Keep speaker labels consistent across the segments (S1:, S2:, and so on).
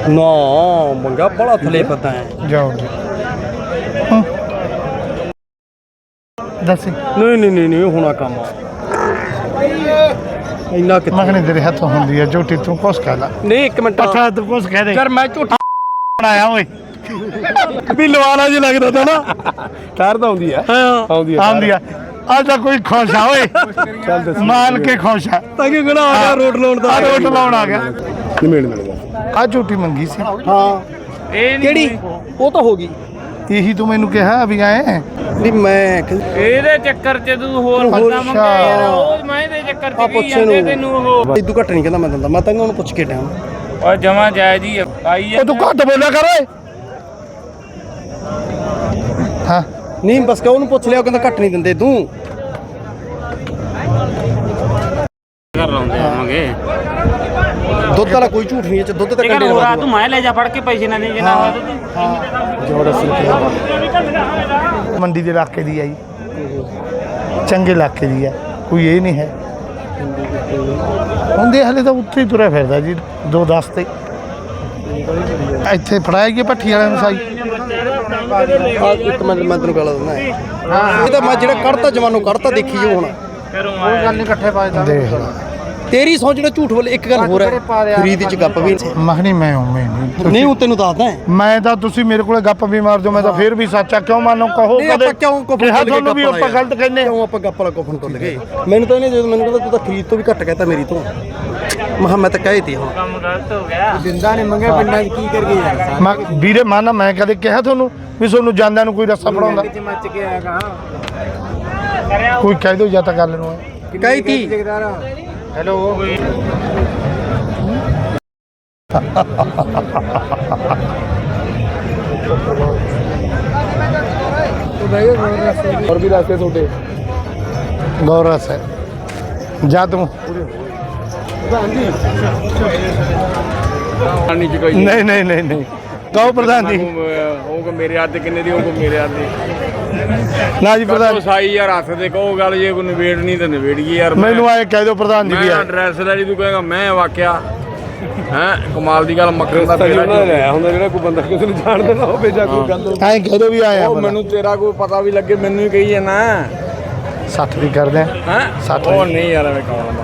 S1: ਨਾ ਮੰਗਾ ਬੜਾ ਥਲੇ ਪਤਾ ਹੈ
S2: ਜਾਓ ਦੱਸੀ
S1: ਨਹੀਂ ਹੋਣਾ ਕੰਮ ਇੰਨਾ ਕਿ
S2: ਮਗਨੇ ਤੇਰੇ ਹੱਥੋਂ ਹੁੰਦੀ ਹੈ ਝੋਟੀ ਤੂੰ ਕੁਛ ਕਹਿ ਲੈ
S1: ਨਹੀਂ ਇੱਕ ਮਿੰਟ
S2: ਪੱਠਾ ਤੂੰ ਕੁਛ ਕਹਿ ਦੇ
S1: ਯਾਰ ਮੈਂ ਝੂਠਾ
S2: ਬਣਾਇਆ ਓਏ
S1: ਵੀ ਲਵਾਲਾ ਜੀ ਲੱਗਦਾ ਤਾ ਨਾ ਠਹਿਰ ਤਾਂ ਆਉਂਦੀ ਆ ਆਉਂਦੀ
S2: ਆ ਅੱਜ ਤਾਂ ਕੋਈ ਖੁਸ਼ ਆ ਓਏ
S1: ਚੱਲ ਦੱਸ
S2: ਮਾਲ ਕੇ ਖੁਸ਼ ਆ
S1: ਤਾਂ ਕਿ ਗਣਾ ਆ ਗਿਆ ਰੋਡ ਲਾਉਣ ਦਾ
S2: ਰੋਟ ਲਾਉਣ ਆ ਗਿਆ
S1: ਨਿਮੇੜ ਮਿਲ ਗਿਆ
S2: ਆ ਝੋਟੀ ਮੰਗੀ ਸੀ
S1: ਹਾਂ ਕਿਹੜੀ ਉਹ ਤਾਂ ਹੋ ਗਈ
S2: ਇਹੀ ਤੂੰ ਮੈਨੂੰ ਕਿਹਾ ਵੀ ਆਏ
S1: ਵੀ ਮੈਂ
S3: ਇਹਦੇ ਚੱਕਰ 'ਚ ਤੂੰ ਹੋਰ ਬੰਦਾ ਮੰਗਿਆ ਯਾਰ ਉਹ ਮੈਂ ਇਹਦੇ ਚੱਕਰ 'ਚ ਕੀ ਜਾਂਦੇ ਤੈਨੂੰ ਉਹ
S1: ਇਦੋਂ ਘੱਟ ਨਹੀਂ ਕਹਿੰਦਾ ਮੈਂ ਦਿੰਦਾ ਮੈਂ ਤਾਂ ਉਹਨੂੰ ਪੁੱਛ ਕੇ ਟਾਈਮ
S3: ਓਏ ਜਮਾ ਜਾਇਜ਼ ਹੀ ਆਈ
S2: ਉਹ ਤੂੰ ਘੱਟ ਬੋਲਿਆ ਕਰ ਓਏ ਹਾਂ
S1: ਨਹੀਂ ਬਸ ਕਹ ਉਹਨੂੰ ਪੁੱਛ ਲਿਆ ਉਹ ਕਹਿੰਦਾ ਘੱਟ ਨਹੀਂ ਦਿੰਦੇ ਤੂੰ
S3: ਕਰ ਲਾਉਂਦੇ ਆਵਾਂਗੇ
S1: ਦੁੱਧ ਵਾਲਾ ਕੋਈ ਝੂਠ ਨਹੀਂ ਇਹ ਚ ਦੁੱਧ ਤਾਂ
S3: ਠੀਕ
S1: ਕੰਡੇ
S3: ਹੈ ਹੋਰ ਆ ਤੂੰ ਮੈਂ ਲੈ ਜਾ ਫੜ ਕੇ ਪੈਸੇ ਨਾ ਦੇ ਜੇ ਨਾ
S1: ਜੋੜਾ
S2: ਮੰਡੀ ਦੇ ਇਲਾਕੇ ਦੀ ਆਈ ਚੰਗੇ ਇਲਾਕੇ ਦੀ ਹੈ ਕੋਈ ਇਹ ਨਹੀਂ ਹੈ ਹੁੰਦੇ ਹਲੇ ਤਾਂ ਉੱਥੇ ਹੀ ਤੁਰਿਆ ਫਿਰਦਾ ਜੀ 2-10 ਤੇ ਇੱਥੇ ਫੜਾਇਆ ਗਿਆ ਭੱਠੀ ਵਾਲਿਆਂ ਨੂੰ ਸਾਈ
S1: ਇੱਕ ਮਿੰਟ ਮੈਂ ਤੈਨੂੰ ਗੱਲ ਦਿੰਦਾ ਇਹ ਤਾਂ ਮੈਂ ਜਿਹੜਾ ਕੱਢਤਾ ਜਵਾਨੋਂ ਕੱਢਤਾ ਦੇਖੀ ਜੋ ਹੁਣ
S2: ਕੋਈ ਗੱਲ ਨਹੀਂ ਇਕੱਠੇ ਪਾ ਦੇਖ
S1: ਤੇਰੀ ਸੌ ਜਿਹੜਾ ਝੂਠ ਬੋਲੇ ਇੱਕ ਗੱਲ ਹੋਰ ਹੈ ਖਰੀਦ ਚ ਗੱਪ ਵੀ
S2: ਮਖਣੀ ਮੈਂ ਉਵੇਂ
S1: ਨਹੀਂ ਉਹ ਤੈਨੂੰ ਦੱਸਦਾ
S2: ਮੈਂ ਤਾਂ ਤੁਸੀਂ ਮੇਰੇ ਕੋਲੇ ਗੱਪ ਵੀ ਮਾਰ ਦਿਓ ਮੈਂ ਤਾਂ ਫੇਰ ਵੀ ਸੱਚਾ ਕਿਉਂ ਮੰਨੋ ਕਹੋ ਕਦੇ
S1: ਕਿਉਂ ਕੋਫਨ
S2: ਕਿਹਾ ਤੁਹਾਨੂੰ ਵੀ ਆਪਾਂ ਗਲਤ ਕਹਿੰਦੇ
S1: ਕਿਉਂ ਆਪਾਂ ਗੱਪ ਵਾਲਾ ਕੋਫਨ ਕਰ ਲਗੇ ਮੈਨੂੰ ਤਾਂ ਇਹਨੇ ਜਦੋਂ ਮੈਨੂੰ ਕਹਿੰਦਾ ਤੂੰ ਤਾਂ ਖਰੀਦ ਤੋਂ ਵੀ ਘੱਟ ਕਹਿਤਾ ਮੇਰੀ ਤੋਂ ਮੈਂ ਤਾਂ ਕਹੇ ਤੀ ਹੁਣ
S3: ਕੰਮ ਗਲਤ ਹੋ ਗਿਆ
S1: ਜਿੰਦਾ ਨੇ ਮੰਗਿਆ ਪਿੰਡਾਂ 'ਚ ਕੀ ਕਰ ਗਏ ਯਾਰ
S2: ਮੈਂ ਵੀਰੇ ਮਾਨਾ ਮੈਂ ਕਦੇ ਕਿਹਾ ਤੁਹਾਨੂੰ ਵੀ ਤੁਹਾਨੂੰ ਜਾਂਦਿਆਂ ਨੂੰ ਕੋਈ ਰਸਤਾ ਪੜਾਉਂਦਾ
S1: ਮੱਚ ਕੇ ਆਏਗਾ
S2: ਕੋਈ ਕਹਿ ਦਿਓ ਜਾਂ ਤਾਂ ਗੱਲ ਨੂੰ
S1: ਕਹੀ ਤੀ
S2: ਹੈਲੋ
S1: और भी रास्ते छोटे
S2: गौरस है जा तुम नहीं नहीं नहीं नहीं कहो प्रधान जी
S3: ਉਹ ਮੇਰੇ ਹੱਥ ਕਿੰਨੇ ਦੀ ਉਹ ਮੇਰੇ ਹੱਥ ਦੀ
S2: ना जी प्रधान
S3: ਸਾਈ ਯਾਰ ਹੱਥ ਦੇ ਕਹੋ ਗੱਲ ਜੇ ਕੋਈ ਨਵੇੜ ਨਹੀਂ ਤਾਂ ਨਵੇੜ ਗਈ ਯਾਰ
S2: मैनू आए कह दो प्रधान जी भी
S3: ਮੈਂ
S2: आए
S3: ਐਡਰੈਸ ਲੈ ਜੀ ਤੂੰ ਕਹੇਗਾ ਮੈਂ ਵਾਕਿਆ ਹੈ ਕਮਾਲ ਦੀ ਗੱਲ ਮੱਖਣ ਦਾ ਪੇੜਾ
S1: ਲਿਆ ਹੁੰਦਾ ਜਿਹੜਾ ਕੋਈ ਬੰਦਾ ਕਿਸੇ ਨੂੰ ਜਾਣਦਾ ਨਾ ਹੋਵੇ ਜਾਂ ਕੋਈ ਗੱਲ
S2: आए कह दो भी आए
S3: ਉਹ ਮੈਨੂੰ ਤੇਰਾ ਕੋਈ ਪਤਾ ਵੀ ਲੱਗੇ ਮੈਨੂੰ ਹੀ ਕਹੀ ਜਾਣਾ
S2: 60 भी कर दें
S3: ਹੈ
S2: 60
S3: ਉਹ ਨਹੀਂ ਯਾਰ ਐਵੇਂ ਕਹਣਾ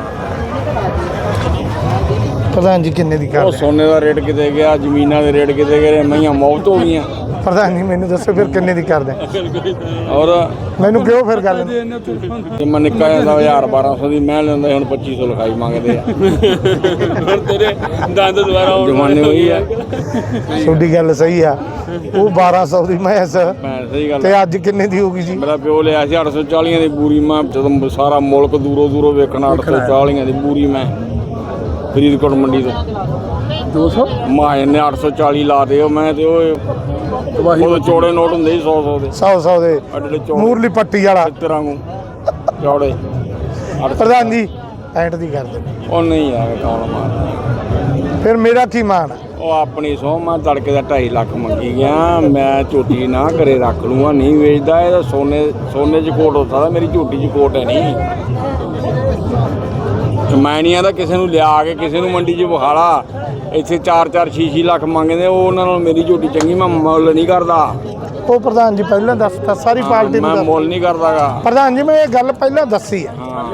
S2: प्रधान जी किन्ने दी
S3: ਉਹ
S2: कर दें
S3: ਸੋਨੇ ਦਾ ਰੇਟ ਕਿਤੇ ਗਿਆ ਜ਼ਮੀਨਾਂ ਦੇ ਰੇਟ ਕਿਤੇ ਗਏ ਮਈਆਂ ਮੌਤ ਹੋ ਗਈਆਂ
S2: प्रधान जी मैनू दसो फिर किन्ने दी कर दें
S3: ਔਰ
S2: मैनू क्यों फिर गल
S3: ਜੇ ਮੈਂ ਨਿੱਕਾ ਜਾਂਦਾ 1000-1200 ਦੀ ਮੈਂ ਲੈਂਦਾ ਹੁਣ 2500 ਲਿਖਾਈ ਮੰਗਦੇ ਆ ਹੁਣ ਤੇਰੇ ਦੰਦ ਦੁਆਰਾ ਜਮਾਨੇ ਹੋਈ ਆ
S2: ਤੁਹਾਡੀ ਗੱਲ ਸਹੀ ਆ ਉਹ 1200 ਦੀ ਮੈਸ
S3: ਮੈਂ ਸਹੀ ਗੱਲ
S2: ਤੇ ਅੱਜ ਕਿੰਨੇ ਦੀ ਹੋਗੀ ਜੀ
S3: ਮੇਰਾ ਪਿਓ ਲਿਆ ਸੀ 840 ਦੀ ਬੂਰੀ ਮੈਂ ਜਦੋਂ ਸਾਰਾ ਮੁਲਕ ਦੂਰੋਂ ਦੂਰੋਂ ਵੇਖਣਾ 840 ਦੀ ਬੂਰੀ ਮੈਂ ਫਰੀਦਕੋਟ ਮੰਡੀ ਤੋਂ
S2: 200
S3: ਮਾਂ ਨੇ 840 ਲਾ ਦੇ ਉਹ ਮੈਂ ਤੇ ਉਹ ਚੌੜੇ ਨੋਟ ਹੁੰਦੇ ਸੀ 100 ਦੇ
S2: 100 ਦੇ
S3: ਅੱਡੇ ਚੌੜੇ
S2: ਮੂਰਲੀ ਪੱਟੀ ਵਾਲਾ
S3: ਤੇਰਾਂ ਨੂੰ ਚੌੜੇ
S2: ਪ੍ਰਧਾਨ ਜੀ ਐਂਟ ਦੀ ਕਰ ਦੇ
S3: ਉਹ ਨਹੀਂ ਯਾਰ ਕੌਣ ਮਾਰਦਾ
S2: ਫਿਰ ਮੇਰਾ ਕੀ ਮਾਣ ਆ?
S3: ਉਹ ਆਪਣੀ ਸਹੁੰ ਮੈਂ ਤੜਕੇ ਦਾ 2.5 ਲੱਖ ਮੰਗੀ ਗਿਆ ਮੈਂ ਝੋਟੀ ਨਾ ਘਰੇ ਰੱਖ ਲੂੰਗਾ ਨਹੀਂ ਵੇਚਦਾ ਇਹ ਤਾਂ ਸੋਨੇ 'ਚ ਕੋਟ ਹੁੰਦਾ ਤਾਂ ਮੇਰੀ ਝੋਟੀ 'ਚ ਕੋਟ ਹੈ ਨਹੀਂ ਜਮੈਨੀਆਂ ਦਾ ਕਿਸੇ ਨੂੰ ਲਿਆ ਕੇ ਕਿਸੇ ਨੂੰ ਮੰਡੀ 'ਚ ਵਿਖਾਲਾ ਇੱਥੇ 4-4 6-6 ਲੱਖ ਮੰਗਦੇ ਉਹ ਉਹਨਾਂ ਨਾਲ ਮੇਰੀ ਝੋਟੀ ਚੰਗੀ ਮੈਂ ਮੁੱਲ ਨਹੀਂ ਕਰਦਾ
S2: ਉਹ ਪ੍ਰਧਾਨ ਜੀ ਪਹਿਲਾਂ ਦੱਸਤਾ ਸਾਰੀ ਪਾਰਟੀ ਨੂੰ
S3: ਮੈਂ
S2: ਦੱਸ-
S3: ਮੁੱਲ ਨਹੀਂ ਕਰਦਾਗਾ
S2: ਪ੍ਰਧਾਨ ਜੀ ਮੈਂ ਇਹ ਗੱਲ ਪਹਿਲਾਂ ਦੱਸੀ ਆ
S3: ਹਾਂ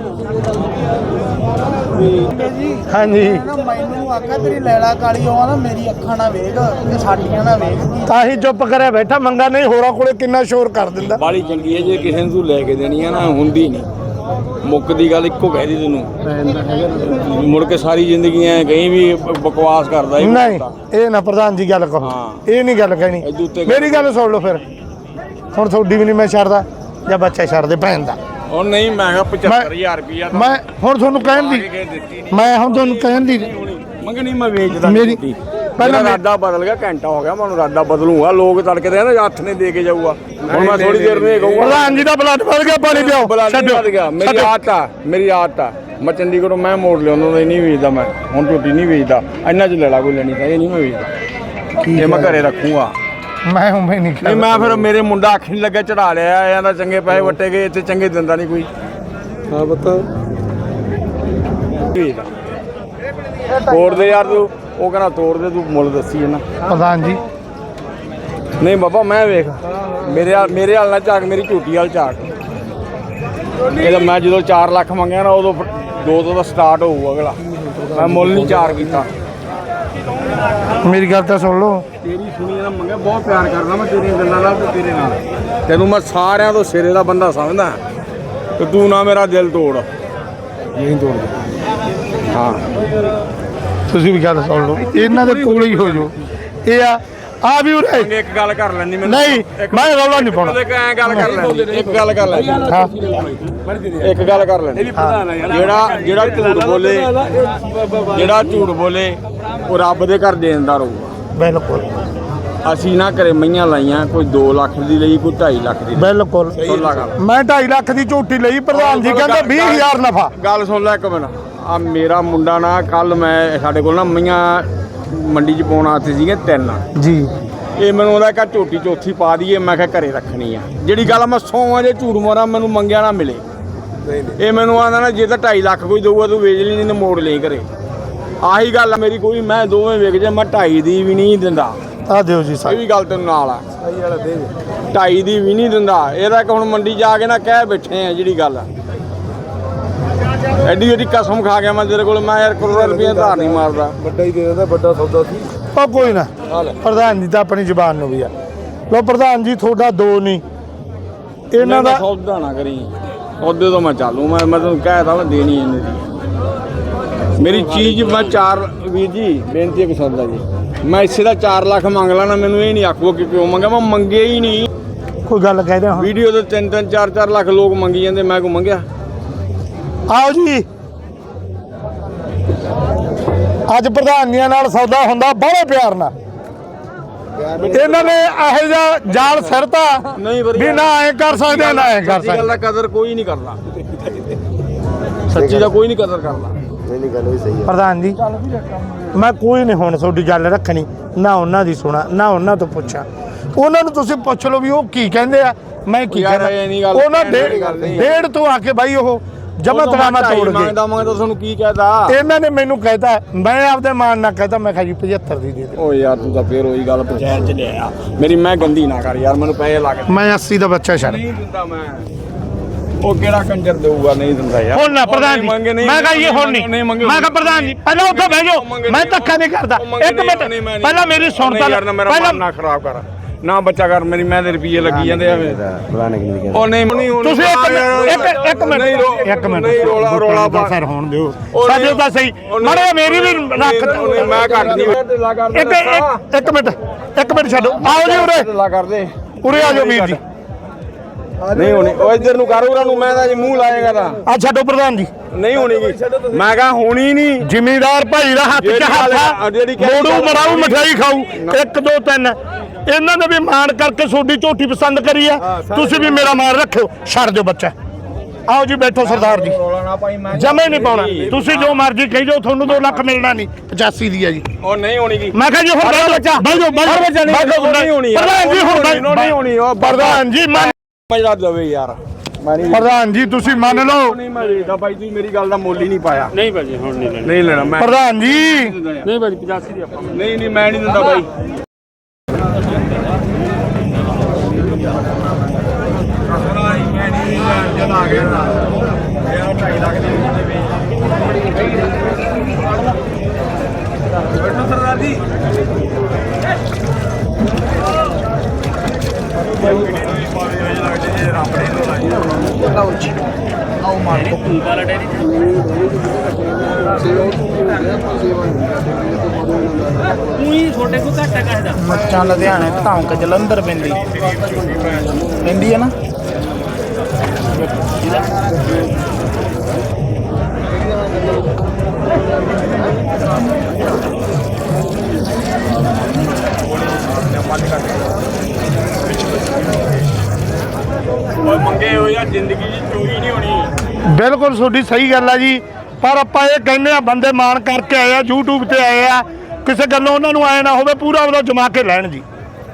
S2: ਹਾਂਜੀ
S4: ਮੈਨੂੰ ਆਖਿਆ ਤੇਰੀ ਲੈਲਾ ਕਾਲੀ ਹੋਆ ਨਾ ਮੇਰੀ ਅੱਖਾਂ ਨਾ ਵੇਖ ਤੇ ਸਾਡੀਆਂ ਨਾ ਵੇਖ
S2: ਤਾਂ ਹੀ ਚੁੱਪ ਕਰਿਆ ਬੈਠਾ ਮੰਗਾ ਨਹੀਂ ਹੋਰਾਂ ਕੋਲੇ ਕਿੰਨਾ ਸ਼ੋਰ ਕਰ ਦਿੰਦਾ
S3: ਬਾਲੀ ਚੰਗੀ ਹੈ ਜੇ ਕਿਸੇ ਨੂੰ ਤੂੰ ਲੈ ਕੇ ਦੇਣੀ ਆ ਨਾ ਹੁੰਦੀ ਨਹੀਂ ਮੁੱਕਦੀ ਗੱਲ ਇੱਕੋ ਕਹਿ ਦੀ ਤੈਨੂੰ ਮੁੜ ਕੇ ਸਾਰੀ ਜ਼ਿੰਦਗੀ ਐ ਕहीं ਵੀ ਬਕਵਾਸ ਕਰਦਾ ਹੀ
S2: ਨਹੀਂ ਇਹ ਨਾ ਪ੍ਰਧਾਨ ਜੀ ਗੱਲ ਕਹੋ
S3: ਹਾਂ।
S2: ਇਹ ਨਹੀਂ ਗੱਲ ਕਹਿਣੀ
S3: ਇਹਦੇ ਉੱਤੇ
S2: ਮੇਰੀ ਗੱਲ ਸੁਣ ਲਓ ਫਿਰ ਹੁਣ ਤੁਹਾਡੀ ਵੀ ਨਹੀਂ ਮੈਂ ਛੱਡਦਾ ਜਾਂ ਬੱਚਾ ਛੱਡ ਦੇ ਭੈਣ ਦਾ
S3: ਉਹ ਨਹੀਂ ਮੈਂ ਕਿਹਾ 75000 ਰੁਪਇਆ ਤਾਂ
S2: ਮੈਂ ਹੁਣ ਤੁਹਾਨੂੰ ਕਹਿਣ ਦੀ
S3: ਦਿੱਤੀ ਨਹੀਂ
S2: ਮੈਂ ਹੁਣ ਤੁਹਾਨੂੰ ਕਹਿਣ ਦੀ
S3: ਮੰਗਣੀ ਮੈਂ ਵੇਚਦਾ
S2: ਮੇਰੀ-
S3: ਝੋਟੀ।
S2: ਪਹਿਲਾਂ
S3: ਮੇਰਾ ਰਾਦਾ ਬਦਲ ਗਿਆ ਘੰਟਾ ਹੋ ਗਿਆ ਮੈਨੂੰ ਰਾਦਾ ਬਦਲੂਗਾ ਲੋਕ ਤੜਕੇ ਦੇ ਨਾ ਹੱਥ ਨੇ ਦੇ ਕੇ ਜਾਊਗਾ ਹੁਣ ਮੈਂ ਥੋੜੀ ਦੇਰ ਨੂੰ ਇਹ ਕਹੂੰਗਾ
S2: ਪ੍ਰਧਾਨ ਜੀ ਦਾ ਬਲੱਡ ਵੱਧ ਗਿਆ ਪਾਣੀ ਪਿਓ
S3: ਛੱਡ ਗਿਆ ਮੇਰੀ ਆਦਤ ਆ ਮੈਂ ਚੰਡੀਗੜ੍ਹੋਂ ਮੈਂ ਮੋੜ ਲਿਆ ਉਹਨਾਂ ਦਾ ਨਹੀਂ ਵੇਚਦਾ ਮੈਂ ਹੁਣ ਝੋਟੀ ਨਹੀਂ ਵੇਚਦਾ ਇੰਨਾ ਚ ਲੈਲਾ ਕੋਈ ਲੈਣੀ ਤਾਂ ਇਹ ਨਹੀਂ ਮੈਂ ਵੇਚਦਾ ਇਹ ਮੈਂ ਘਰੇ ਰੱਖੂਗਾ
S2: ਮੈਂ ਉਵੇਂ ਨਹੀਂ
S3: ਨਹੀਂ ਮੈਂ ਫਿਰ ਮੇਰੇ ਮੁੰਡਾ ਅੱਖ ਨਹੀਂ ਲੱਗਾ ਚੜਾ ਲਿਆ ਇਹਨਾਂ ਚੰਗੇ ਪੈਸੇ ਵੱਟੇ ਗਏ ਇੱਥੇ ਚੰਗੇ ਦਿੰਦਾ ਨਹੀਂ ਕੋਈ
S1: ਹਾਂ ਬਤਾ
S3: ਕੋਟ ਦੇ ਯਾਰ ਤੂੰ ਉਹ ਕਹਿੰਦਾ ਤੋੜ ਦੇ, ਤੂੰ ਮੁੱਲ ਦੱਸੀ ਇਹਨਾਂ।
S2: ਪ੍ਰਧਾਨ ਜੀ
S3: ਨਹੀਂ ਬਾਬਾ ਮੈਂ ਵੇਖ ਮੇਰੇ ਹਾਲ ਨਾਲ ਝਾਕ, ਮੇਰੀ ਝੂਟੀ ਵਾਲ ਝਾਕ। ਇਹਦਾ ਮੈਂ ਜਦੋਂ 4 ਲੱਖ ਮੰਗਿਆ ਨਾ ਉਦੋਂ 2 ਤੋਂ ਦਾ ਸਟਾਰਟ ਹੋਊ ਅਗਲਾ। ਮੈਂ ਮੁੱਲ ਨਹੀਂ 4 ਕੀਤਾ।
S2: ਮੇਰੀ ਗੱਲ ਤਾਂ ਸੁਣ ਲਓ।
S3: ਤੇਰੀ ਸੁਣੀ ਨਾ ਮੰਗਿਆ, ਬਹੁਤ ਪਿਆਰ ਕਰਦਾ ਮੈਂ ਤੇਰੀਆਂ ਗੱਲਾਂ ਨਾਲ ਤੇ ਤੇਰੇ ਨਾਲ। ਤੈਨੂੰ ਮੈਂ ਸਾਰਿਆਂ ਤੋਂ ਸਿਰੇ ਦਾ ਬੰਦਾ ਸਮਝਦਾ ਤੇ ਤੂੰ ਨਾ ਮੇਰਾ ਦਿਲ ਤੋੜ। ਨਹੀਂ ਤੋੜ ਹਾਂ।
S2: ਤੁਸੀਂ ਵੀ ਗੱਲ ਸੁਣ ਲਓ, ਇਹਨਾਂ ਦੇ ਕੋਲ ਹੀ ਹੋ ਜਾਓ। ਇਹ ਆ ਵੀ ਉਰੇ
S3: ਇੱਕ ਗੱਲ ਕਰ ਲੈਣੀ ਮੈਨੂੰ।
S2: ਨਹੀਂ ਮੈਂ ਰੌਲਾ ਨਹੀਂ ਪਾਉਣਾ।
S3: ਐਂ ਗੱਲ ਕਰ ਲੈਣੀ, ਇੱਕ ਗੱਲ ਕਰ ਲੈਣੀ।
S2: ਹਾਂ
S3: ਇੱਕ ਗੱਲ ਕਰ ਲੈਣੀ। ਜਿਹੜਾ ਝੂਠ ਬੋਲੇ ਉਹ ਰੱਬ ਦੇ ਘਰ ਦੇਣਦਾਰ ਹੋਊਗਾ।
S2: ਬਿਲਕੁਲ
S3: ਅਸੀਂ ਨਾ ਘਰੇ ਮਈਆਂ ਲਾਈਆਂ, ਕੋਈ 2 ਲੱਖ ਦੀ ਲਈ, ਕੋਈ 2.5 ਲੱਖ ਦੀ ਲਈ।
S2: ਬਿਲਕੁਲ ਮੈਂ 2.5 ਲੱਖ ਦੀ ਝੋਟੀ ਲਈ, ਪ੍ਰਧਾਨ ਜੀ ਕਹਿੰਦੇ 20,000 ਨਫਾ।
S3: ਗੱਲ ਸੁਣ ਲੈ ਇੱਕ ਮਿੰਟ। ਆ ਮੇਰਾ ਮੁੰਡਾ ਨਾ ਕੱਲ ਮੈਂ ਸਾਡੇ ਕੋਲ ਨਾ ਮਈਆਂ ਮੰਡੀ 'ਚ ਪਾਉਣ ਆਤੇ ਸੀਗੇ 3
S2: ਜੀ।
S3: ਇਹ ਮੈਨੂੰ ਉਹਦਾ ਕਹਾ ਝੋਟੀ ਚੌਥੀ ਪਾ ਦਈਏ। ਮੈਂ ਕਿਹਾ ਘਰੇ ਰੱਖਣੀ ਆ। ਜਿਹੜੀ ਗੱਲ ਮੈਂ 100 ਜੇ ਝੂਠ ਮਾਰਾਂ ਮੈਨੂੰ ਮੰਗਿਆ ਨਾ ਮਿਲੇ। ਇਹ ਮੈਨੂੰ ਆਂਦਾ ਨਾ ਜੇ ਤਾਂ 2.5 ਲੱਖ ਕੋਈ ਦਊਗਾ ਤੂੰ ਵੇਚ ਲਈ, ਨਹੀਂ ਮੋੜ ਲਈ ਘਰੇ। ਆਹੀ ਗੱਲ ਆ ਮੇਰੀ। ਕੋਈ ਮੈਂ ਦੋਵੇਂ ਵਿਕ ਜੇ, ਮੈਂ 2.5 ਦੀ ਵੀ ਨਹੀਂ ਦਿੰਦਾ।
S2: ਆ ਦਿਓ ਜੀ
S3: ਇਹ ਵੀ ਗੱਲ ਤੈਨੂੰ ਨਾਲ ਆ। 2.5 ਦੀ ਵੀ ਨਹੀਂ ਦਿੰਦਾ। ਇਹਦਾ ਕਿ ਹੁਣ ਮੰਡੀ ਜਾ ਕੇ ਨਾ ਕਹਿ ਬੈਠੇ ਆ ਜਿਹੜੀ ਗੱਲ ਆ। ਐਡੀ ਕਸਮ ਖਾ ਗਿਆ ਮੈਂ ਤੇਰੇ ਕੋਲ। ਮੈਂ ਯਾਰ ਕਰੋੜਾਂ ਰੁਪਏ ਧਾਰ ਨਹੀਂ ਮਾਰਦਾ।
S1: ਵੱਡਾ ਹੀ ਦੇ ਦਿੰਦਾ, ਵੱਡਾ ਸੌਦਾ ਸੀ।
S2: ਉਹ ਕੋਈ ਨਾ, ਪ੍ਰਧਾਨ ਜੀ ਤਾਂ ਆਪਣੀ ਜ਼ੁਬਾਨ ਨੂੰ ਵੀ ਆ। ਲੋ ਪ੍ਰਧਾਨ ਜੀ ਤੁਹਾਡਾ 2 ਨਹੀਂ ਇਹਨਾਂ ਦਾ।
S3: ਸੌਦਾ ਨਾ ਕਰੀ, ਉਹਦੇ ਤੋਂ ਮੈਂ ਚਾਲੂ। ਮੈਂ ਤੈਨੂੰ ਕਹਿਤਾ ਮੈਂ ਦੇਣੀ ਇਹਨੇ ਦੀ। ਮੇਰੀ ਚੀਜ਼ ਮੈਂ 4 ਵੀਰ ਜੀ ਬੇਨਤੀ ਹੈ ਸੌਦਾ ਜੀ। ਮੈਂ ਇਸੇ ਦਾ 4 ਲੱਖ ਮੰਗ ਲੈਣਾ। ਮੈਨੂੰ ਇਹ ਨਹੀਂ ਆਖੋ ਕਿ ਕਿਉਂ ਮੰਗਿਆ। ਮੈਂ ਮੰਗੇ ਹੀ ਨਹੀਂ।
S2: ਕੋਈ ਗੱਲ ਕਹਿ ਰਿਹਾ
S3: ਵੀਡੀਓ ਤੇ 3-3 4-4 ਲੱਖ ਲੋਕ ਮੰਗੀ ਜਾਂਦੇ, ਮੈਂ ਕੋ ਮੰਗਿਆ।
S2: ਆਓ ਜੀ, ਅੱਜ ਪ੍ਰਧਾਨੀਆਂ ਨਾਲ ਸੌਦਾ ਹੁੰਦਾ ਬੜੇ ਪਿਆਰ ਨਾਲ। ਇਹਨਾਂ ਨੇ ਇਹੋ ਜਿਹਾ ਜਾਲ ਸਿਰਤਾ
S3: ਨਹੀਂ
S2: ਵੀ ਨਾ ਐ ਕਰ ਸਕਦੇ ਨਾ ਐ ਕਰ
S3: ਸੱਚੀ ਗੱਲ
S2: ਸਕਦੇ।
S3: ਦਾ ਕਦਰ ਕੋਈ ਨਹੀਂ ਕਰਦਾ। ਸੱਚੀ ਦਾ ਕੋਈ ਨਹੀਂ ਕਦਰ ਕਰਦਾ।
S1: ਨਹੀਂ ਗੱਲ ਵੀ ਸਹੀ ਹੈ
S2: ਪ੍ਰਧਾਨ ਜੀ ਮੈਂ ਕੋਈ ਨਹੀਂ ਹੁਣ ਤੁਹਾਡੀ ਗੱਲ ਰੱਖਣੀ, ਨਾ ਉਹਨਾਂ ਦੀ ਸੁਣਾ ਨਾ ਉਹਨਾਂ ਤੋਂ ਪੁੱਛਾਂ। ਉਹਨਾਂ ਨੂੰ ਤੁਸੀਂ ਪੁੱਛ ਲਓ ਵੀ ਉਹ ਕੀ ਕਹਿੰਦੇ ਆ, ਮੈਂ ਕੀ
S3: ਯਾਰ ਇਹ ਨਹੀਂ
S2: ਕਹਿਣਾ।
S3: ਗੱਲ,
S2: ਉਹਨਾਂ
S3: ਇਹ ਗੱਲ ਨਹੀਂ।
S2: ਡੇਢ ਤੋਂ ਆ ਕੇ ਬਾਈ ਉਹ ਜਮਾ ਤਰਾਮਾ ਤੋੜ ਗਏ।
S3: ਮੰਗਦਾ ਤੁਹਾਨੂੰ ਕੀ ਕਹਦਾ।
S2: ਇਹਨਾਂ ਨੇ ਮੈਨੂੰ ਕਹਿਤਾ, ਮੈਂ ਆਪਦੇ ਮਾਨ ਨਾਲ ਕਹਿਤਾ, ਮੈਂ ਕਿਹਾ ਜੀ 75 ਦੀ ਦੇ ਦੇ।
S3: ਓ ਯਾਰ ਤੂੰ ਤਾਂ ਫੇਰ ਉਹੀ ਗੱਲ ਪੰਚਾਇਤ ਚ ਲਿਆ। ਮੇਰੀ ਮੈਂ ਗੰਦੀ ਨਾ ਕਰ ਯਾਰ, ਮੈਨੂੰ ਪੈਸੇ ਲਾ ਕੇ।
S2: ਮੈਂ 80 ਦਾ ਬੱਚਾ ਛੱਡ
S3: ਨਹੀਂ ਦਿੰਦਾ ਮੈਂ। ਉਹ ਕਿਹੜਾ ਕੰਜਰ ਦੇਊਗਾ? ਨਹੀਂ ਦਿੰਦਾ ਯਾਰ।
S2: ਹੁਣ ਨਾ ਪ੍ਰਧਾਨ ਜੀ, ਮੈਂ ਕਹਾਂ ਇਹ ਹੁਣ ਨਹੀਂ। ਮੈਂ ਕਹਾਂ ਪ੍ਰਧਾਨ ਜੀ ਪਹਿਲਾਂ ਉੱਥੇ ਬਹਿ ਜਾਓ, ਮੈਂ ਧੱਕਾ ਨਹੀਂ ਕਰਦਾ। ਇੱਕ ਮਿੰਟ ਪਹਿਲਾਂ ਮੇਰੀ ਸੁਣ ਤਾਂ
S3: ਪਹਿਲਾਂ ਨਾ ਖਰਾਬ ਕਰ ਨਾ ਬੱਚਾ ਕਰ। ਮੇਰੀ ਮੈਂ ਦੇ ਰੁਪਏ ਲੱਗੀ ਜਾਂਦੇ ਆ। ਉਹ ਨਹੀਂ
S2: ਤੁਸੀਂ ਇੱਕ ਮਿੰਟ
S3: ਨਹੀਂ ਰੋਲਾ ਪਾ
S2: ਸਰ ਹੋਣ ਦਿਓ ਸਾਡੇ ਤਾਂ ਸਹੀ ਮਾੜੇ ਮੇਰੀ ਵੀ ਰੱਖ।
S3: ਮੈਂ ਘੱਟ ਨਹੀਂ
S2: ਇੱਕ ਮਿੰਟ ਛੱਡੋ। ਆਓ ਜੀ ਉਰੇ
S3: ਲਾ ਕਰਦੇ
S2: ਉਰੇ ਆ ਜਾਓ ਵੀਰ ਜੀ।
S3: ਨਹੀਂ ਹੋਣੀ। ਉਹ ਇੱਧਰ ਨੂੰ ਕਰ ਉਹਨਾਂ ਨੂੰ। ਮੈਂ ਤਾਂ ਜੀ ਮੂੰਹ ਲਾਏਗਾ ਤਾਂ
S2: ਆ ਛੱਡੋ ਪ੍ਰਧਾਨ ਜੀ।
S3: ਨਹੀਂ ਹੋਣੀ ਗੀ। ਮੈਂ ਕਹਾ ਹੋਣੀ ਨਹੀਂ।
S2: ਜ਼ਿਮੀਦਾਰ ਭਾਈ ਦਾ ਹੱਥ ਚ ਹੱਥ ਮੋੜੂ ਮਰਾਉ ਮਠਿਆਈ ਖਾਊ 1 2 3। ਇਹਨਾਂ ਨੇ ਵੀ ਮਾਣ ਕਰਕੇ ਤੁਹਾਡੀ ਝੋਟੀ ਪਸੰਦ ਕਰੀ ਆ, ਤੁਸੀਂ ਵੀ ਮੇਰਾ ਮਾਣ ਰੱਖਿਓ। ਛੱਡ ਦਿਓ ਬੱਚਾ। ਆਓ ਜੀ ਬੈਠੋ ਸਰਦਾਰ ਜੀ। ਜਮੇ ਨਹੀਂ ਪਾਉਣਾ। ਤੁਸੀਂ ਜੋ ਮਰਜ਼ੀ ਕਹੀ ਜਾਓ, ਤੁਹਾਨੂੰ 2 ਲੱਖ ਮਿਲਣਾ ਨਹੀਂ। 85 ਦੀ ਹੈ ਜੀ।
S3: ਉਹ ਨਹੀਂ ਹੋਣੀ ਗੀ।
S2: ਮੈਂ ਕਿਹਾ ਜੀ ਹੁਣ ਬੱਚਾ ਬਹਿ ਜਾਓ
S3: ਨਹੀਂ ਹੋਣੀ
S2: ਪ੍ਰਧਾਨ ਜੀ। ਹੁਣ
S3: ਨਹੀਂ ਹੋਣੀ। ਉਹ
S2: ਪ੍ਰਧਾਨ ਜੀ
S3: ਮਜਾ ਦੇਵੇ ਯਾਰ।
S2: ਪ੍ਰਧਾਨ ਜੀ ਤੁਸੀਂ ਮੰਨ ਲਓ।
S3: ਨਹੀਂ ਮੈਂ ਵੇਚਦਾ ਭਾਈ, ਤੁਸੀਂ ਮੇਰੀ ਗੱਲ ਦਾ ਮੁੱਲ ਹੀ ਨਹੀਂ ਪਾਇਆ।
S5: ਨਹੀਂ ਭਾਜੀ ਹੁਣ ਨਹੀਂ ਲੈਣਾ।
S3: ਨਹੀਂ ਲੈਣਾ ਮੈਂ।
S2: ਪ੍ਰਧਾਨ ਜੀ
S5: ਨਹੀਂ ਭਾਜੀ 85 ਦੀ ਆਪਾਂ।
S3: ਨਹੀਂ ਮੈਂ ਨਹੀਂ ਦਿੰਦਾ ਭਾਈ।
S5: ਛੋਟੇ ਕੋ ਘੱਟ ਹੈ ਕਹਦਾ।
S4: ਮੱਚਾਂ ਲੁਧਿਆਣੇ ਧੌਂਕ ਜਲੰਧਰ ਪੈਂਦੀ ਹੈ ਨਾ।
S3: ਮੰਗੇ ਹੋਏ ਆ ਜ਼ਿੰਦਗੀ ਦੀ ਚੋਰੀ ਨਹੀਂ ਹੋਣੀ।
S2: ਬਿਲਕੁਲ ਤੁਹਾਡੀ ਸਹੀ ਗੱਲ ਆ ਜੀ। ਪਰ ਆਪਾਂ ਇਹ ਕਹਿੰਦੇ ਆ ਬੰਦੇ ਮਾਣ ਕਰਕੇ ਆਏ ਆ, YouTube ਤੇ ਆਏ ਆ, ਕਿਸੇ ਗੱਲੋਂ ਉਹਨਾਂ ਨੂੰ ਆਏ ਨਾ ਹੋਵੇ, ਪੂਰਾ ਉਹਦਾ ਜਮਾ ਕੇ ਲੈਣ ਜੀ।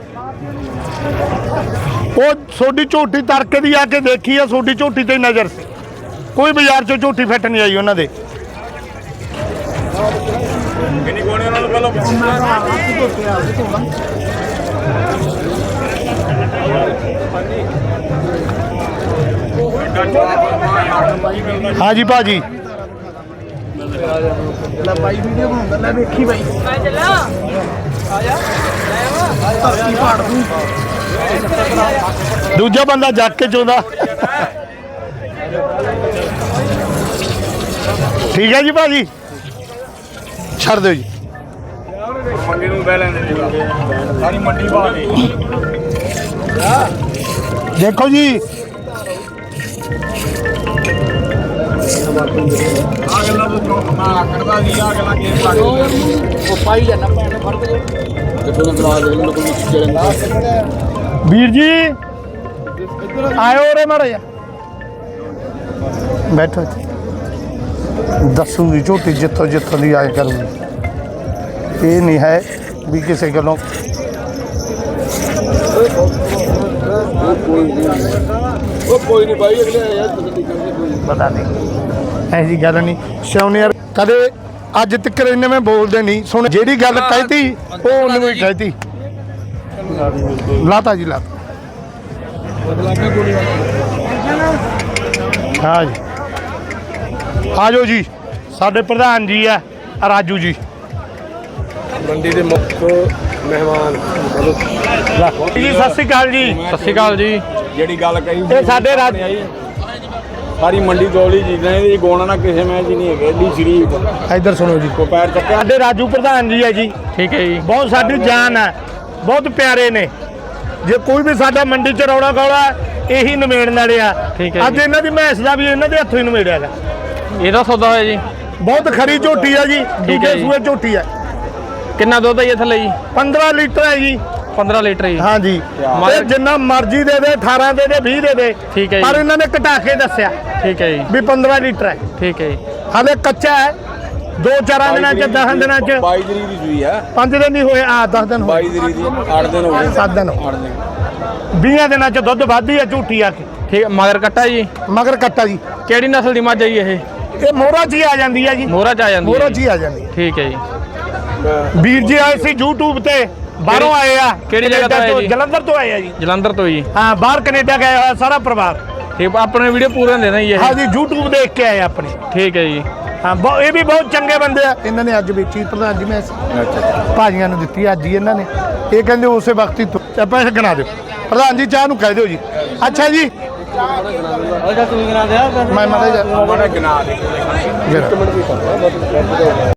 S2: ਉਹ ਤੁਹਾਡੀ ਝੋਟੀ ਤੜਕੇ ਦੀ ਆ ਕੇ ਦੇਖੀ ਆ, ਤੁਹਾਡੀ ਝੋਟੀ ਤੇ ਨਜ਼ਰ ਸੀ। ਕੋਈ ਬਾਜ਼ਾਰ 'ਚੋਂ ਝੋਟੀ ਫਿੱਟ ਨਹੀਂ ਆਈ ਉਹਨਾਂ ਦੇ।
S3: ਕਿੰਨੀ ਕੋਣੇ ਉਹਨਾਂ ਨੂੰ ਵੱਲੋਂ
S2: ਹਾਂ ਜੀ ਭਾਜੀ
S4: ਲੈ ਬਾਈ ਵੀਡੀਓ ਬਣਾਉਂਦਾ ਲੈ ਵੇਖੀ ਬਾਈ ਧਰਤੀ ਪਾੜ ਦੂੰ
S2: ਦੂਜਾ ਬੰਦਾ ਜੱਗ ਕੇ ਚੋਂਦਾ ਠੀਕ ਹੈ ਜੀ ਭਾਜੀ ਛੱਡ ਦਿਓ ਜੀ
S3: ਮੰਡੀ ਨੂੰ ਬਹਿ ਲੈਂਦੇ ਸਾਰੀ ਮੰਡੀ ਬਾਹਰ ਦੇ
S2: ਦੇਖੋ ਜੀ
S3: ਆ ਗੱਲਾਂ ਤੋਂ ਮੈਂ ਕਰਦਾ ਸੀ ਆ ਗੱਲਾਂ ਕੀ ਲੱਗ
S4: ਉਹ ਪਾਈ ਜਾਣਾ ਭੈਣ ਫੜ ਕੇ ਦੇਖੋ ਨਾ ਬਲਾ ਦੇ ਮੈਨੂੰ ਕੋਈ ਚਿਹਰੇ
S2: ਵੀਰ ਜੀ ਆਇਓ ਰੇ ਮਾੜਾ ਬੈਠੋ ਇੱਥੇ। ਦੱਸੂਗੀ ਝੋਟੀ ਜਿੱਥੋਂ ਜਿੱਥੋਂ ਦੀ ਆਏ ਕਰੂਗੀ ਇਹ ਨਹੀਂ ਹੈ ਵੀ ਕਿਸੇ ਗੱਲੋਂ
S3: ਉਹ ਕੋਈ ਨਹੀਂ ਬਾਈ ਅਗਲੇ ਯਾਰ ਤੁਸੀਂ ਕਰਦੇ
S2: ਪਤਾ ਨਹੀਂ ਐਸੀ ਗੱਲ ਨਹੀਂ ਸਿਉਣੇ ਯਾਰ ਕਦੇ ਅੱਜ ਤੱਕ ਇਹਨੇ ਮੈਂ ਬੋਲਦੇ ਨਹੀਂ ਸੁਣ ਜਿਹੜੀ ਗੱਲ ਕਹਿਤੀ ਉਹ ਉਹਨੂੰ ਹੀ ਕਹਿਤੀ ਲਾਤਾ ਜੀ ਲਾਤਾ ਹਾਂ ਜੀ ਆ ਜਾਓ ਜੀ ਸਾਡੇ ਪ੍ਰਧਾਨ ਜੀ ਆ ਰਾਜੂ ਜੀ
S1: ਮੰਡੀ ਦੇ ਮੁੱਖ ਮਹਿਮਾਨ
S2: ਜੀ ਸਤਿ ਸ਼੍ਰੀ ਅਕਾਲ ਜੀ
S5: ਸਤਿ ਸ਼੍ਰੀ ਅਕਾਲ ਜੀ।
S3: ਜਿਹੜੀ ਗੱਲ ਕਹੀ
S2: ਇਹ ਸਾਡੇ ਰਾਜ
S3: ਸਾਰੀ ਮੰਡੀ ਦੋਲੀ ਚੀਜ਼ਾਂ ਇਹਦੀ ਗੋਣਾ ਨਾ ਕਿਸੇ ਮੈਂ ਜੀ ਨਹੀਂ ਹੈਗੇ ਏਡੀ ਸ਼ਰੀਫ
S2: ਇੱਧਰ ਸੁਣੋ ਜੀ
S3: ਕੋ ਪੈਰ ਚੱਕਿਆ
S2: ਸਾਡੇ ਰਾਜੂ ਪ੍ਰਧਾਨ ਜੀ ਹੈ ਜੀ
S5: ਠੀਕ ਹੈ ਜੀ।
S2: ਬਹੁਤ ਸਾਡੀ ਜਾਨ ਹੈ ਬਹੁਤ ਪਿਆਰੇ ਨੇ ਜੇ ਕੋਈ ਵੀ ਸਾਡਾ ਮੰਡੀ ਚ ਰੌਲਾ ਗੌਲਾ ਇਹੀ ਨਿਮੇੜਨ ਵਾਲੇ ਆ
S5: ਠੀਕ ਹੈ
S2: ਅੱਜ
S5: ਜੀ।
S2: ਇਹਨਾਂ ਦੀ ਮੈਸ ਦਾ ਵੀ ਇਹਨਾਂ ਦੇ ਹੱਥੋਂ ਹੀ ਨਿਮੇੜਿਆਗਾ
S5: ਇਹਦਾ ਸੌਦਾ ਹੋਇਆ ਜੀ।
S2: ਬਹੁਤ ਖਰੀ ਝੋਟੀ ਆ ਜੀ
S5: ਹੈ
S2: ਦੂਜੇ
S5: ਜੀ।
S2: ਸੂਏ ਝੋਟੀ ਆ
S5: ਕਿੰਨਾ ਦੁੱਧ ਹੈ ਜੀ ਥੱਲੇ ਜੀ?
S2: 15 ਲੀਟਰ ਹੈ ਜੀ
S5: 15 ਲੀਟਰ ਜੀ।
S2: ਹਾਂ ਜੀ ਤੇ ਜਿੰਨਾ ਮਰਜ਼ੀ ਦੇ ਦੇ 18 ਦੇ ਦੇ 20 ਦੇ ਦੇ
S5: ਠੀਕ ਹੈ ਜੀ।
S2: ਪਰ ਇਹਨਾਂ ਨੇ ਘਟਾ ਕੇ ਦੱਸਿਆ
S5: ਠੀਕ ਹੈ ਜੀ।
S2: ਵੀ 15 ਲੀਟਰ ਹੈ
S5: ਠੀਕ ਹੈ ਜੀ।
S2: ਹਾਲੇ ਕੱਚਾ ਹੈ 2-4 ਦਿਨਾਂ ਚ 10 ਦਿਨਾਂ ਚ
S3: 22 ਤਰੀਕ ਦੀ ਸੂਈ ਆ
S2: 5 ਦਿਨ ਨਹੀਂ ਹੋਏ ਆ 10 ਦਿਨ ਹੋਏ
S3: 22 ਤਰੀਕ ਦੀ 8 ਦਿਨ ਹੋ ਗਏ
S2: 7 ਦਿਨ
S3: 8 ਦਿਨ
S2: 20 ਦਿਨਾਂ ਚ ਦੁੱਧ ਵੱਧਦੀ ਆ ਝੂਠੀ ਆ ਕੇ
S5: ਠੀਕ ਹੈ, ਮਗਰ ਕੱਟਾ ਜੀ।
S2: ਮਗਰ ਕੱਟਾ ਜੀ
S5: ਕਿਹੜੀ ਨਸਲ ਦੀ ਮੱਝ ਹੈ ਜੀ ਇਹ?
S2: ਇਹ ਮੋਹਰਾ ਚ ਹੀ ਆ ਜਾਂਦੀ ਆ ਜੀ
S5: ਮੋਹਰਾ ਚ ਆ ਜਾਂਦੀ
S2: ਮੋਹਰਾ
S5: ਹੈ
S2: ਚ
S5: ਜੀ।
S2: ਹੀ ਆ ਜਾਂਦੀ ਆ।
S5: ਠੀਕ ਹੈ ਜੀ।
S2: ਵੀਰ ਜੀ ਆਏ ਸੀ YouTube ਤੇ ਬਾਹਰੋਂ ਆਏ ਆ
S5: ਕਿਹੜੀ ਜਗ੍ਹਾ ਤੋਂ ਆਏ ਜੀ?
S2: ਜਲੰਧਰ ਤੋਂ ਆਏ ਆ ਜੀ
S5: ਜਲੰਧਰ ਤੋਂ ਜੀ।
S2: ਹਾਂ ਬਾਹਰ ਕੈਨੇਡਾ ਗਏ ਹੋਇਆ ਸਾਰਾ ਪਰਿਵਾਰ
S5: ਠੀਕ ਆਪਣੇ ਵੀਡੀਓ ਪੂਰੇ ਦੇਣਾ ਜੀ ਇਹ।
S2: ਹਾਂ ਜੀ YouTube ਦੇਖ ਕੇ ਆਏ ਆਪਣੇ
S5: ਠੀਕ ਹੈ ਜੀ।
S2: ਹਾਂ ਇਹ ਵੀ ਬਹੁਤ ਚੰਗੇ ਬੰਦੇ ਆ ਇਹਨਾਂ ਨੇ ਅੱਜ ਵੇਚੀ ਪ੍ਰਧਾਨ ਜੀ ਮੈਂ ਭਾਜੀਆਂ ਨੂੰ ਦਿੱਤੀ ਅੱਜ ਹੀ ਇਹਨਾਂ ਨੇ ਇਹ ਕਹਿੰਦੇ ਉਸੇ ਵਕਤ ਹੀ ਪੈਸੇ ਗਿਣਾ ਦਿਓ ਪ੍ਰਧਾਨ ਜੀ ਚਾਹ ਨੂੰ ਕਹਿ ਦਿਓ ਜੀ ਅੱਛਾ ਜੀ ਮੈਂ ਮਾੜਾ ਜਿਹਾ
S3: ਮਾੜਾ ਗਿਣਾ ਦੇ